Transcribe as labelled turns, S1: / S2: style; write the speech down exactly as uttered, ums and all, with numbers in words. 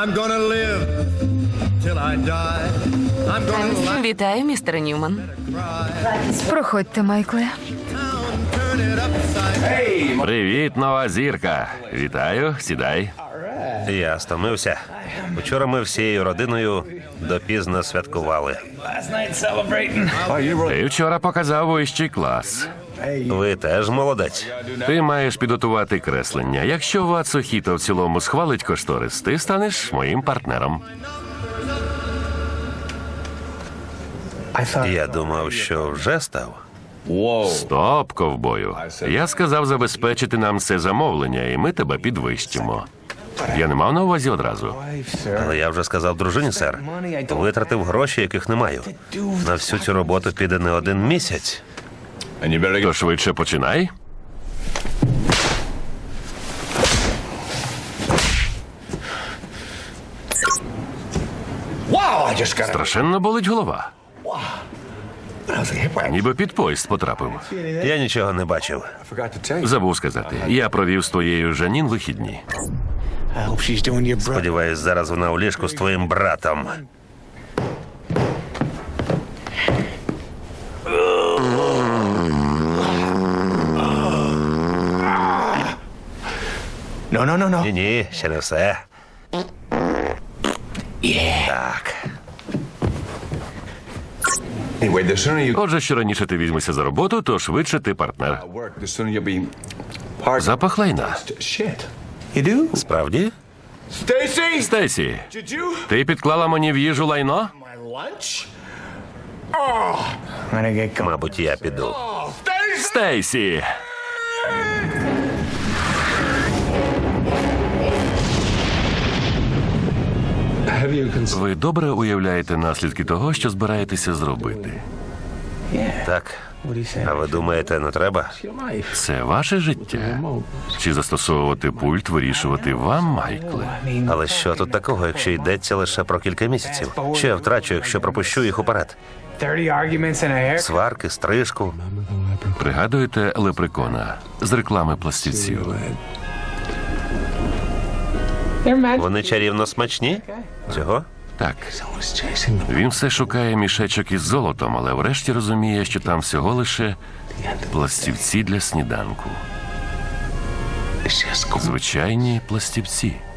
S1: I'm gonna live till I die. I'm gonna laugh,
S2: Вітаю, містер Ньюман.
S1: cry,
S3: Проходьте, Майкле.
S1: town, turn it upside down.
S4: Привіт, нова зірка. Вітаю, сідай.
S5: Я стомився. Вчора ми всією родиною допізно святкували.
S4: Ти вчора показав вищий клас.
S5: Ви теж молодець.
S4: Ти маєш підготувати креслення. Якщо Вацухіто в цілому схвалить кошторис, ти станеш моїм партнером.
S5: Я думав, що вже став.
S4: Стоп, ковбою. Я сказав забезпечити нам це замовлення, і ми тебе підвищимо. Я не мав на увазі одразу.
S5: Але я вже сказав дружині, сер. Витратив гроші, яких не маю. На всю цю роботу піде не один місяць.
S4: То швидше починай. Страшенно болить голова. Ніби під поїзд потрапив.
S5: Я нічого не бачив.
S4: Забув сказати. Я провів з твоєю Жанін вихідні.
S5: Сподіваюсь, зараз вона у ліжку з твоїм братом. Ні-ні, ще не все. Так.
S6: Anyway, the sooner you
S4: Отже, що раніше ти візьмешся за роботу, то швидше ти партнер.
S6: work, the sooner you'll be part
S4: Запах лайна.
S6: Shit. You do?
S5: Справді?
S6: Stacy!
S4: Стейсі,
S6: Did you?
S4: ти підклала мені в їжу лайно?
S6: My lunch?
S5: Мабуть, я піду.
S6: Oh, Stacy!
S4: Стейсі!
S6: Have you considered?
S4: Ви добре уявляєте наслідки того, що збираєтеся зробити?
S5: Так. А ви думаєте, не треба?
S4: Це ваше життя. Чи застосовувати пульт вирішувати вам, Майкле?
S5: Але що тут такого, якщо йдеться лише про кілька місяців? Що я втрачу, якщо пропущу їх уперед?
S7: thirty arguments and a hair.
S5: Сварки, стрижку.
S4: Пригадуєте лепрекона з реклами пластівців?
S7: They're magic.
S5: Вони чарівно смачні? Цього?
S4: Так. Він все шукає мішечок із золотом, але врешті розуміє, що там всього лише пластівці для сніданку. Звичайні пластівці.